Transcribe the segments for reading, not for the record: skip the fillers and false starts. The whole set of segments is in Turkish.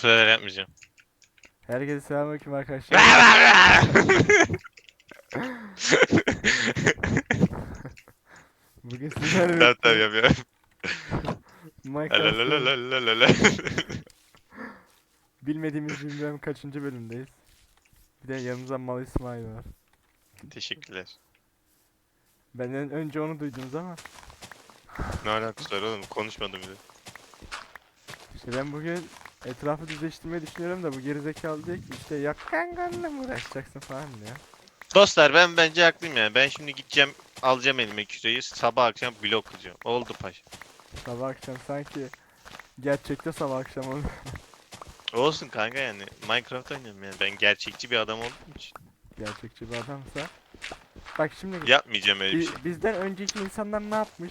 sefer yapmayacağım. Herkese selamünaleyküm arkadaşlar. Bugün sizlerle Tamam birlikte yapıyorum. Minecraft'ın Lalalalalalala. bilmediğimiz bilmem kaçıncı bölümdeyiz. Bir de yanımızda Mal İsmail var. Teşekkürler. Benden önce onu duydunuz ama Ne alakası var oğlum? Konuşmadım bile. işte ben bugün etrafı düzleştirmeyi düşünüyorum da bu gerizekalı diyor ki işte yak kanganla mı uğraşacaksın falan diyor. Dostlar ben bence haklıyım yani. Ben şimdi gideceğim alacağım elime küreği sabah akşam blok kıracağım. Oldu paşa. Sabah akşam sanki gerçekte sabah akşam onu Olsun kanka yani. Minecraft oynuyorum yani. Ben gerçekçi bir adam olduğum için. gerçekçi bir adamsa. Bak şimdi Yapmayacağım öyle bir şey. bizden önceki insanlar ne yapmış?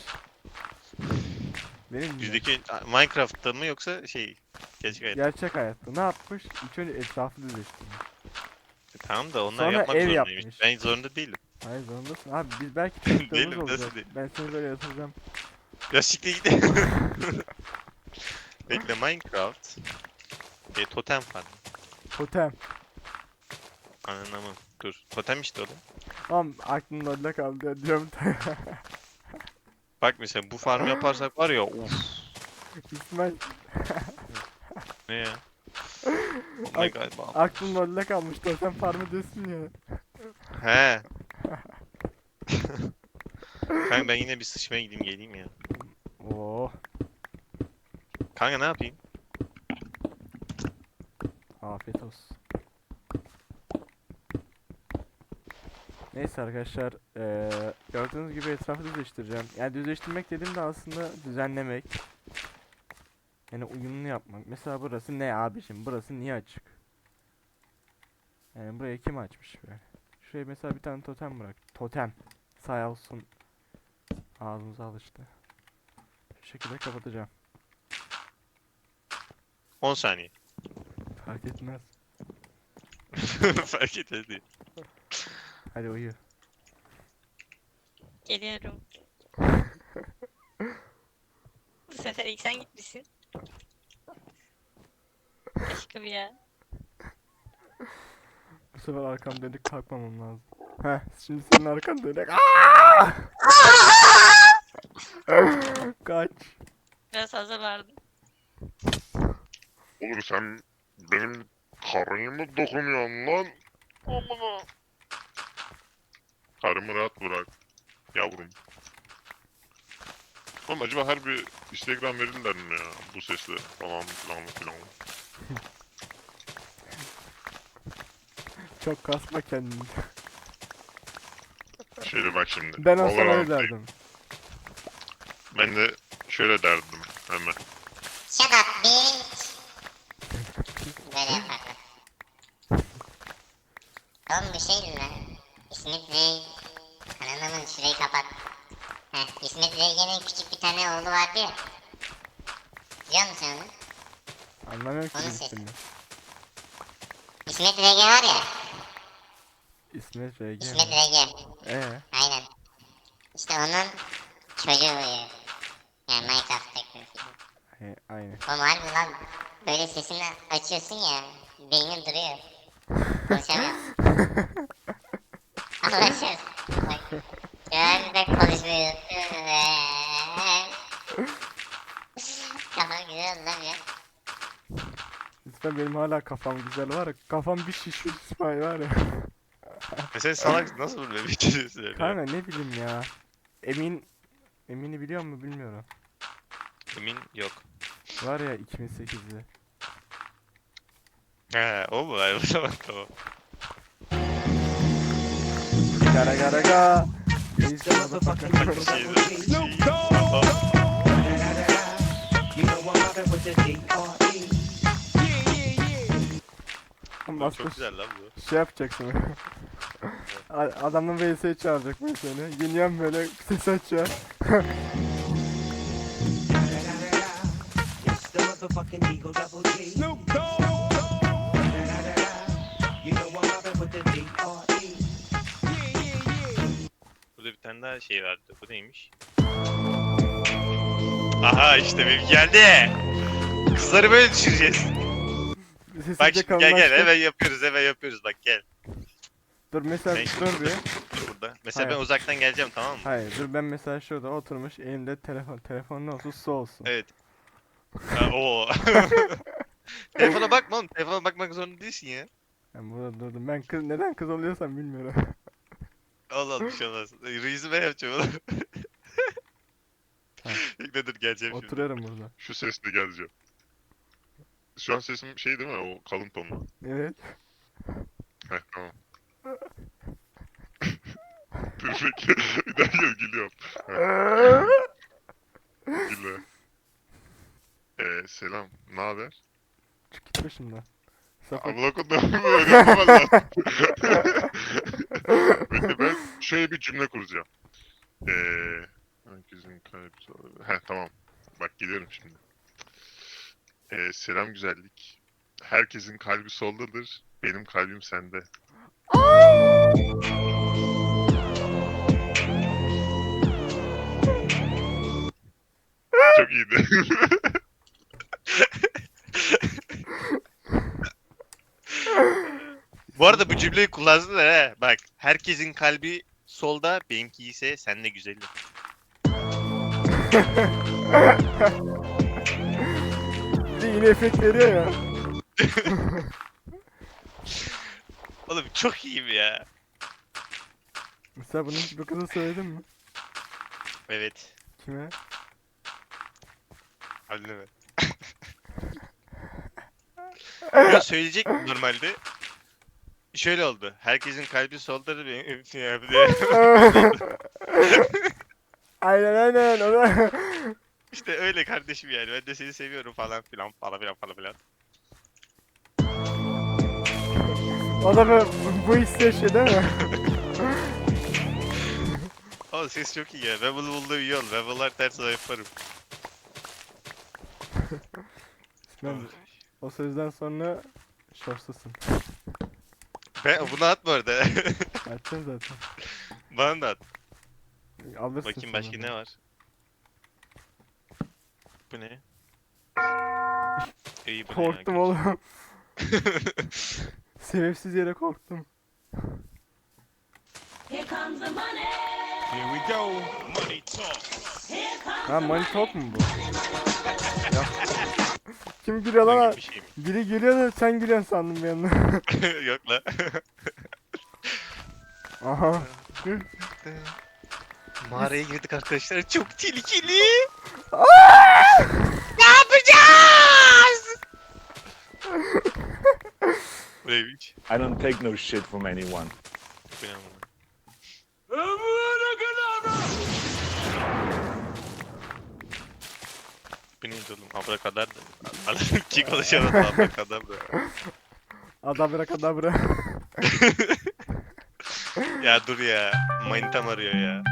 Benim mi? Bizdeki Minecraft'ta mı yoksa gerçek hayatta? Gerçek hayatta ne yapmış? İlk önce etrafı düzleştirmiş. Tamam da onlar Sonra yapmak ev zorundaymış. yapmış. Ben zorunda değilim. Hayır zorundasın. Abi biz belki çocuklarımız Değilim olacak. nasıl değil? Ben seni böyle yatıracağım. Ya siktir git. Bekle Minecraft. Totem farm. Totem. Anlamam. Dur. Totem işte o da. Tamam aklımda öyle kaldı ya diyorum. Bak mesela bu farm yaparsak var ya uf. İsmail Ne ya? Oh my god. Wow. aklımda öyle kalmış totem farmı diyorsun ya. He. Kanka ben yine bir sıçmaya gideyim geleyim ya. Oo. Kanka ne yapayım? Afiyet olsun. Neyse arkadaşlar gördüğünüz gibi etrafı düzleştireceğim. Yani düzleştirmek dediğimde aslında düzenlemek. Yani uyumlu yapmak. Mesela burası ne abiciğim? Burası niye açık? Yani buraya kim açmış böyle? Şuraya mesela bir tane totem bırak. Totem. Sağ olsun. Ağzımıza alıştı. Şu şekilde kapatacağım. 10 saniye. Fark etmez. Fark etmez değil. Hadi uyu. Geliyorum. Bu sefer ilk sen gitmişsin. Aşkım ya. Bu sefer arkam dönük kalkmamam lazım. Heh, şimdi senin arkan dönük. Aaaa! Kaç. Biraz fazla vardı. Oğlum sen benim karıya mı dokunuyorsun lan? Amına. Karımı rahat bırak yavrum. Oğlum acaba her bir Instagram verirler mi ya bu sesle falan filan filan. Çok kasma kendini. Şöyle bak şimdi. Ben olsam öyle Valorant'tayım. derdim. Ben de şöyle derdim hemen. Shut up bitch. Böyle yapardım. Oğlum bir şey diyeyim lan. İsmet Bey. Ananın şurayı kapat. Heh, İsmet Bey'in küçük bir tane oğlu vardı ya. Biliyor musun onu? Anlamıyorum ki Onun bu sesi. ismini. İsmet Rege var ya. İsmet RG İsmet mi? Rege. Ee, Aynen. İşte onun çocuğu uyuyor. Yani Minecraft'taki. aynı. Oğlum harbi lan. Böyle sesini açıyorsun ya. Beynin duruyor. Konuşamıyorum. Anlaşıyoruz. Bak. Ben de konuşmayı Kafam güzel oldu lan ya. İsmail benim hala kafam güzel var ya. Kafam bir şişmiş İsmail var ya. Sen salak nasıl böyle bir şey söylüyor? Kanka ne bileyim ya. Emin'i biliyor musun bilmiyorum. Emin yok. Var ya 2008'de. He o mu? Ay o zaman tamam. Gara gara ga. Neyse Şey motherfucker. Çok güzel lan bu. Şey yapacaksın. Adamın VS'yi çağıracak böyle seni. Yeniyen böyle ses açıyor. It's the motherfucking Eagle Double G. Snoop Dogg. You know I'm mobbing with the D.R.E. Burada bir tane daha şey vardı. Bu neymiş? Aha işte benim geldi. Kızları böyle düşüreceğiz. Sessizce Bak şimdi gel kalınlaştır. hemen yapıyoruz bak gel. Dur mesela Ben dur bir. Dur burada. Mesela Hayır. ben uzaktan geleceğim tamam mı? Hayır dur ben mesela şurada oturmuş elimde telefon. Telefon ne olsun su olsun. Evet. Ha, oo. Telefona bakma oğlum. Telefona bakmak zorunda değilsin ya. Ben burada durdum. Ben kız neden kız oluyorsam bilmiyorum. Allah Allah bir şey olmaz. Reis'i ben yapacağım oğlum. Tamam. Bekle dur geleceğim şimdi. Oturuyorum burada. Şu sesle geleceğim. Şu an sesim şey değil mi? O kalın tonlu. Evet. Heh tamam. Dur bekle. Bir daha gel gülüyorum. Gülme. Selam. Ne haber? Çık git başımdan. Sapık. Abla kodum öyle yapamaz lazım. Bekle ben şöyle bir cümle kuracağım. Herkesin kalbi... Heh tamam. Bak geliyorum şimdi. Selam güzellik. Herkesin kalbi soldadır. Benim kalbim sende. Çok iyiydi. Bu arada bu cümleyi kullandın he. Bak herkesin kalbi solda benimki ise sen de güzelim. Bir de yine efekt veriyor ya. Oğlum çok iyiyim ya. Mesela bunu hiç bu kıza söyledin mi? Evet. Kime? Anneme. Ya söyleyecek mi normalde? Şöyle oldu. Herkesin kalbi soldadır benim diye. Aynen aynen. O da... İşte öyle kardeşim yani. Ben de seni seviyorum falan filan falan filan falan filan. O da bu hissi yaşıyor değil mi? Oğlum ses çok iyi ya. Ben bunu bulduğum iyi oldu. Ben bunlar ters yaparım. Ben o sözden sonra şortsuzsun. Ben bunu at bu arada. Açacağım zaten. Bana da at. Alırsın Bakayım sonra başka da. ne var? Bu ne? İyi bu ne ya, Korktum oğlum. Sebepsiz yere korktum. Here comes the money. Here we go. Money talk. Ha money talk mu bu? Ya. Kim gülüyor lan? Gibi bir şey mi? Biri gülüyor da sen gülüyorsun sandım bir yandan. Yok la. Aha. Mağaraya girdik arkadaşlar. Çok tehlikeli. Ne yapacağız? Bu neymiş? I don't take no shit from anyone. Bu ne amına? Bu neydi oğlum? Abrakadar da. Ki konuşamadı abrakadar da. Adabra. Ya dur ya. Manitam arıyor ya.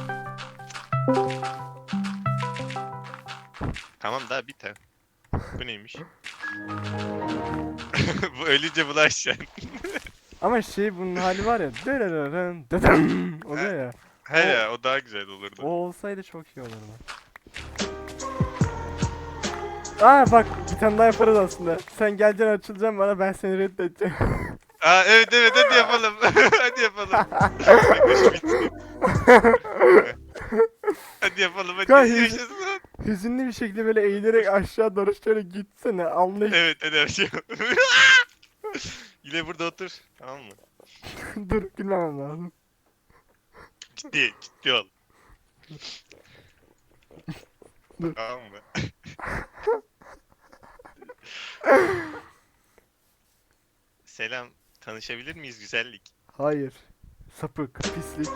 Tamam daha biter. Bu neymiş? Bu ölünce bulaşacaksın. Ama şey bunun hali var ya. Dırırırın, dıdım oluyor ya. He ya o daha güzel olurdu. O olsaydı çok iyi olurdu. Aa bak bir tane daha yaparız aslında. Sen geleceksin açılacaksın bana ben seni reddedeceğim. Aa evet hadi yapalım. Hadi yapalım. Hadi yapalım hadi. Kanka, Yaşasın. Hüzünlü bir şekilde böyle eğilerek aşağı doğru şöyle gitsene anlayış. Evet hadi her şey. Yine burada otur. Tamam mı? Dur gülmemem lazım. Ciddi ol. Dur. Tamam mı? Selam. Tanışabilir miyiz güzellik? Hayır. Sapık, pislik.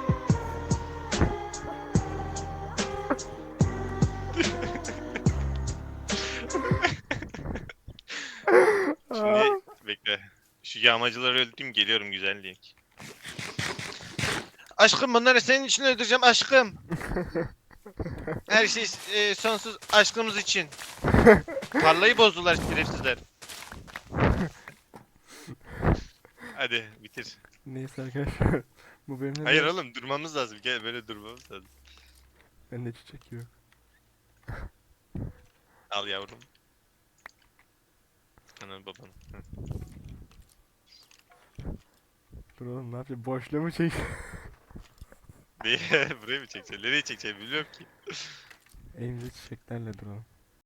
Şimdi bekle. Şu yağmacıları öldüreyim geliyorum güzellik. Aşkım bunları senin için öldüreceğim aşkım. Her şey sonsuz aşkımız için. Tarlayı bozdular şerefsizler. Hadi bitir. Neyse arkadaşlar. Bu bölümde Hayır oğlum durmamız lazım. Gel böyle durmamız lazım. Bende çiçek yok. Al yavrum. Ananı babanı. Hı. Dur oğlum ne yapayım? Boşluğu mu çek? Niye? Buraya mı çekeceksin? Nereye çekeceksin bilmiyorum ki. Elimizde çiçeklerle duralım.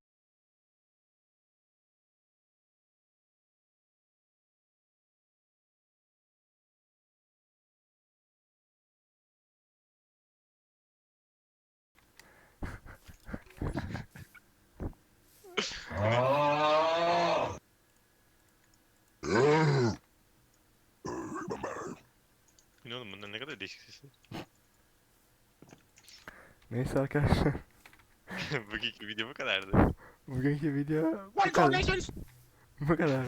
Bu ne oğlum bunlar ne kadar değişik sesler. Neyse arkadaşlar. Bugünkü video bu kadardı. Bugünkü video bu kadar. Bu kadar.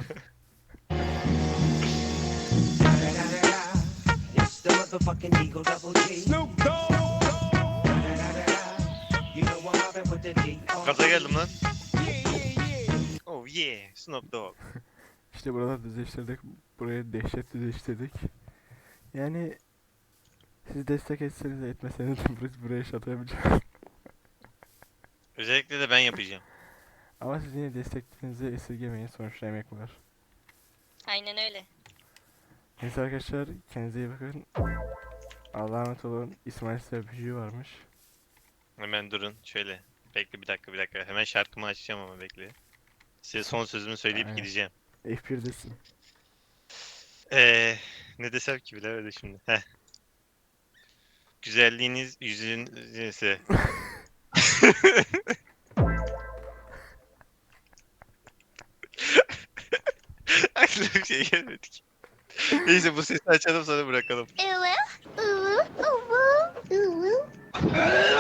It's the motherfucking Eagle Double G. Snoop Dogg. You know I'm mobbing with the D.R.E. Gaza geldim lan. Oh yeah, Snoop Dogg. İşte buraları düzleştirdik. Buraya dehşet düzleştirdik. Yani siz destek etseniz de etmeseniz de biz buraya şato yapacağız. Özellikle de ben yapacağım. Ama siz yine desteklerinizi esirgemeyin. Sonuçta emek var. Aynen öyle. Neyse arkadaşlar kendinize iyi bakın. Allah'a emanet olun. İsmail size öpücüğü varmış. Hemen durun şöyle. Bekle bir dakika. Hemen şarkımı açacağım ama bekle. Size son sözümü söyleyip Aynen. gideceğim. F1'desin. Ne desem ki bilemedim şimdi. Heh. Güzelliğiniz yüzün neyse. Aklıma bir şey gelmedi ki. Neyse bu sesi açalım sonra bırakalım. Uwu, uwu, uwu, uwu.